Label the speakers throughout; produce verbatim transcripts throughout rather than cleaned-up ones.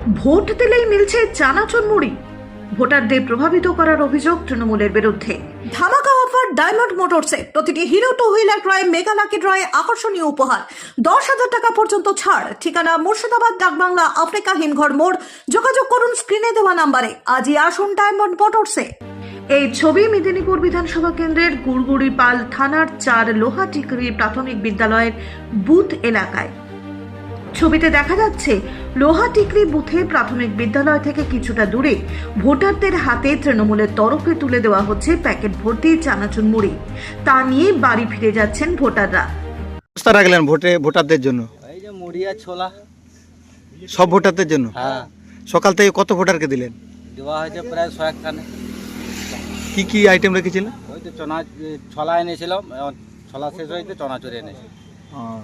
Speaker 1: Vote দিলেই মিলছে চানাচুর মুড়ি, ভোটারদের প্রভাবিত করার অভিযোগ তৃণমূলের বিরুদ্ধে। ধামাকা অফার ডায়মন্ড মোটরসে প্রতিটি হিরো টু হুইলার ক্রয়ে মেগা লাকি ড্রয়ে আকর্ষণীয় উপহার, দশ হাজার টাকা পর্যন্ত ছাড়। ঠিকানা মুর্শিদাবাদ ডাকবাংলা আফ্রিকা হিমঘর মোড়। যোগাযোগ করুন স্ক্রিনে দেওয়া নাম্বারে। আজই আসুন ডায়মন্ড মোটরসে। এই ছবি মেদিনীপুর বিধানসভা কেন্দ্রের গুড়গুড়িপাল থানার চার লোহাটিকরি প্রাথমিক বিদ্যালয়ের বুথ এলাকায়। ছবিতে দেখা যাচ্ছে লোহাটিকরি বুথে প্রাথমিক বিদ্যালয় থেকে কিছুটা দূরে ভোটারদের হাতে তৃণমূলের তরফে তুলে দেওয়া হচ্ছে প্যাকেট ভর্তি চানাচুর মুড়ি। তা নিয়ে বাড়ি ফিরে যাচ্ছেন ভোটাররা।
Speaker 2: ব্যবস্থা রাখলেন ভোটে ভোটারদের জন্য?
Speaker 3: এই যে মুড়ি আর ছোলা
Speaker 2: সব ভোটারদের জন্য?
Speaker 3: হ্যাঁ,
Speaker 2: সকাল থেকে কত ভোটারকে দিলেন?
Speaker 3: দেওয়া হয়েছে প্রায় ছয়েক খানে।
Speaker 2: কি কি আইটেম রেখেছিলেন?
Speaker 3: ওই তো চনা ছোলা এনেছিলাম, এখন ছোলা শেষ হয়েছে চনাচুরি এনেছি।
Speaker 2: আহ,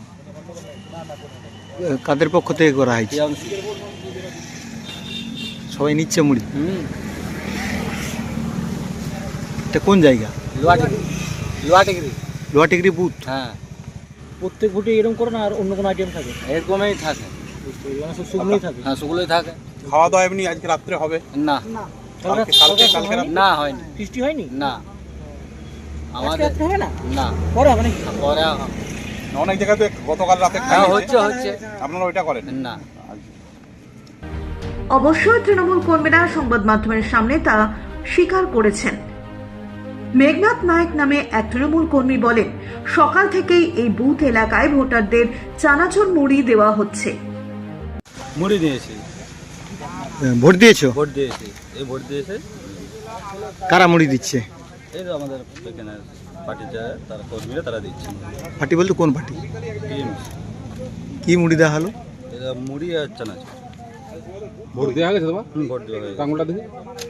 Speaker 2: কাদের পক্ষ থেকে করা হয়েছে? সবাই নিচ্ছে মুড়ি?
Speaker 3: হুম,
Speaker 2: এটা কোন জায়গা?
Speaker 3: লোহাটিগিরি লোহাটিগিরি
Speaker 2: লোহাটিকরি বুথ?
Speaker 3: হ্যাঁ,
Speaker 4: প্রত্যেক ভোটে এরকম করো না আর অন্য কোনো আইটেম থাকে?
Speaker 3: এরকমই থাকে।
Speaker 4: মানে সব শুকনোই থাকে?
Speaker 3: হ্যাঁ, সেগুলোই থাকে।
Speaker 5: খাওয়া দাওয়া এমনি আজকে রাত্রে হবে?
Speaker 3: না,
Speaker 5: কালকে কালকে কালকে রাত্রে?
Speaker 3: না হয়নি।
Speaker 4: বৃষ্টি হয়নি?
Speaker 3: না,
Speaker 4: আজকে
Speaker 3: আমাদের
Speaker 4: রাত্রে হবে না?
Speaker 3: না,
Speaker 4: পরে হবে নাকি?
Speaker 3: পরে
Speaker 5: অনেক জায়গায় তো গতকাল রাতে
Speaker 3: হ্যাঁ
Speaker 5: খাইয়েছে।
Speaker 3: হচ্ছে হচ্ছে
Speaker 5: আপনারা ওইটা করেন
Speaker 3: না।
Speaker 1: অবশ্যই তৃণমূল কর্মীরা সংবাদ মাধ্যমের সামনে তা স্বীকার করেছেন। মেঘনাথ নায়ক নামে এক তৃণমূল কর্মী বলেন, সকাল থেকেই এই বুথ এলাকায় ভোটারদের চানাচুর মুড়ি দেওয়া হচ্ছে।
Speaker 6: মুড়ি দিয়েছি,
Speaker 2: ভোট দিয়েছো?
Speaker 6: ভোট দিয়েছি, এই ভোট দিয়েছে।
Speaker 2: কারা মুড়ি দিচ্ছে?
Speaker 6: এই তো আমাদের এখানে পার্টির যারা তারা কর্মীরা তারা দিচ্ছে।
Speaker 2: পার্টি বলতে কোন পার্টি?
Speaker 6: টিএমসি।
Speaker 2: কি মুড়ি দেওয়া হলো?
Speaker 6: এটা মুড়ি আর চানাচুর।
Speaker 7: ভোট দেওয়া গেছে তোমার?
Speaker 6: হুম, ভোট দেওয়া হয়ে গেছে।
Speaker 7: আঙুলটা দেখি।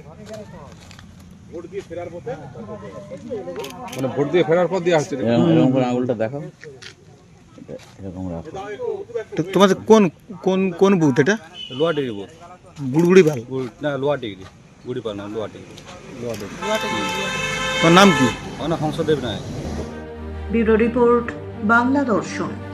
Speaker 7: মানে ভোট দিয়ে ফেরার পর দেওয়া হচ্ছে?
Speaker 8: এরকম করে আঙুলটা দেখাও, এরকম রাখো।
Speaker 2: তো তোমাদের কোন কোন কোন বুথ এটা?
Speaker 6: লোহা ডিগ্রি ভোট।
Speaker 2: গুড়গুড়িপাল?
Speaker 6: না, লোহা ডিগ্রি, গুড়ি পাল না, লোহা ডিগ্রি। লোহা ডিগ্রি।
Speaker 2: তোমার নাম কি?
Speaker 6: আমার নাম হংসদেব নায়ক।
Speaker 1: ব্যুরো রিপোর্ট, বাংলা দর্শন।